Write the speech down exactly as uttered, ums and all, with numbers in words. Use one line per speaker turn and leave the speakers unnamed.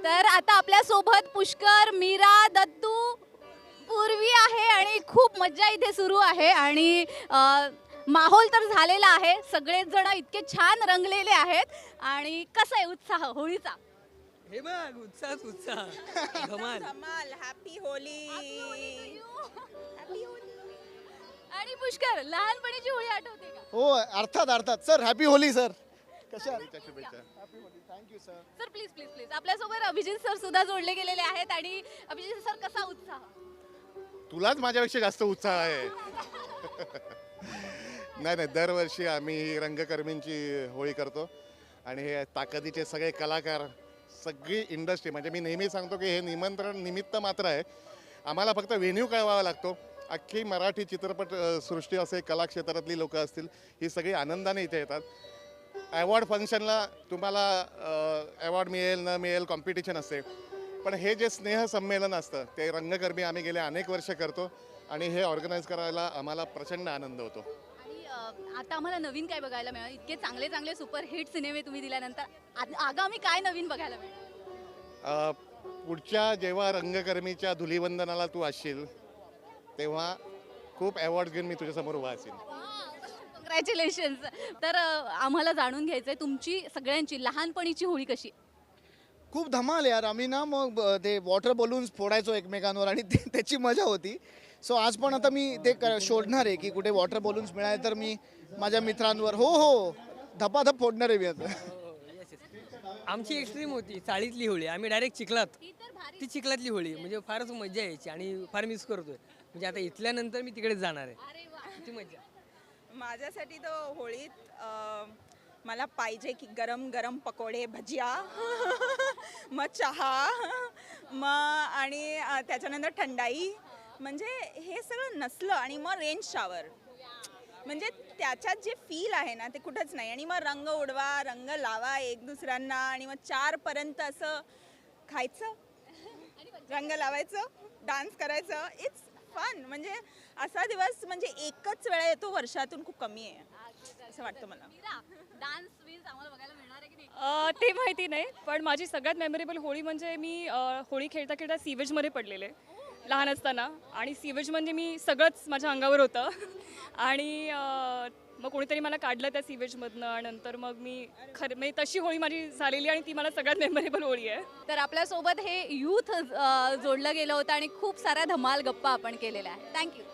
तर आता आपल्या सोबत पुष्कर, मीरा, दत्तू, पूर्वी आहे आणि खूप मज्जा इथे सुरू आहे आणि अ, माहोल तर झालेला आहे. सगळेच जण इतके छान रंगलेले आहेत आणि कसा आहे उत्साह होळीचा?
हे बघ उत्साहच उत्साह धमाल.
धमाल. हॅपी होली. हॅपी होली.
आणि पुष्कर, लहानपणीची होळी आठवते का?
हो अर्थात अर्थात सर हॅपी होली सर. कशा
शुभेच्छा.
Happy Holi thank you sir.
Sir please please please आपल्यासोबत अभिजित सर सुद्धा जोडले गेलेले आहेत आणि अभिजित सर कसा उत्साह?
तुलाच माझ्यापेक्षा जास्त उत्साह आहे. नाही नाही दरवर्षी आम्ही रंगकर्मींची होळी करतो आणि हे ताकदीचे सगळे कलाकार, सगळी इंडस्ट्री, म्हणजे मी नेहमी सांगतो की हे निमंत्रण निमित्त मात्र आहे. आम्हाला फक्त व्हेन्यू कळवावा लागतो. अख्खी मराठी चित्रपट अ, सृष्टी असे कला क्षेत्रातली लोकं असतील, ही सगळी आनंदाने इथे येतात. अवॉर्ड फंक्शनला तुम्हाला अवॉर्ड मिळेल न मिळेल कॉम्पिटिशन असते, पण हे जे स्नेहसंमेलन असतं ते रंगकर्मी आम्ही गेले अनेक वर्ष करतो आणि हे ऑर्गनाईज करायला आम्हाला प्रचंड आनंद होतो.
आणि अ, आता आम्हाला नवीन काय बघायला मिळालं? इतके चांगले चांगले सुपरहिट सिनेमे तुम्ही दिल्यानंतर आ- आगामी काय नवीन बघायला मिळेल?
अ, पुढच्या जेव्हा रंगकर्मीच्या धुलीवंदनाला तू असशील तेव्हा खूप अवॉर्ड घेऊन मी तुझ्यासमोर उभा असेल.
कॉंग्रॅच्युलेशन्स. तर अ, आम्हाला जाणून घ्यायचंय तुमची सगळ्यांची लहानपणीची होळी कशी?
खूप धमाल यार. आम्ही ना मग ब- ते वॉटर बलून्स फोडायचो एकमेकांवर आणि ते- त्याची मजा होती. सो आज पण आता मी ते क- शोधणार आहे की कुठे वॉटर बलून्स मिळाले तर मी माझ्या मित्रांवर हो हो धपाधप फोडणार आहे मी आता.
आमची एक्स्ट्रीम होती चाळीतली होळी. आम्ही डायरेक्ट चिखलात,
ती तर भारी.
ती चिखलातली होळी म्हणजे फारच मजा यायची आणि फार मिस करतोय. म्हणजे आता इथल्यानंतर मी तिकडेच जाणार आहे.
अरे वा.
किती मजा.
माझ्यासाठी तर होळीत अं, मला पाहिजे की गरम गरम पकोडे, भजिया, मग चहा, मग आणि अं, त्याच्यानंतर थंडाई. म्हणजे हे सगळं नसलं आणि मग रेन शॉवर, म्हणजे त्याच्यात जे फील आहे ना ते कुठंच नाही. आणि मग रंग उडवा, रंग लावा एक दुसऱ्यांना आणि मग चारपर्यंत असं खायचं, रंग लावायचं, डान्स करायचं. It's fun. म्हणजे असा दिवस म्हणजे एकच वेळा येतो वर्षातून, खूप कमी आहे असं वाटतं मला.
मीरा, डान्स विन्स आम्हाला बघायला मिळणार आहे की नाही?
अ, ते माहिती नाही, पण माझी सगळ्यात मेमोरेबल होळी म्हणजे मी अ, होळी खेळता खेळता सीवेजमध्ये पडलेले लहान असताना. आणि सीवेज म्हणजे मी सगळंच माझ्या अंगावर होतं आणि अ, मग कोणीतरी मला काढलं त्या सीवेजमधनं आणि नंतर मग मी खरं म्हणजे तशी होळी माझी झालेली आणि ती मला सगळ्यात मेमोरेबल होळी आहे.
तर आपल्यासोबत हे यूथ जोडलं गेलं होतं आणि खूप साऱ्या धमाल गप्पा आपण केलेल्या आहेत. थँक्यू.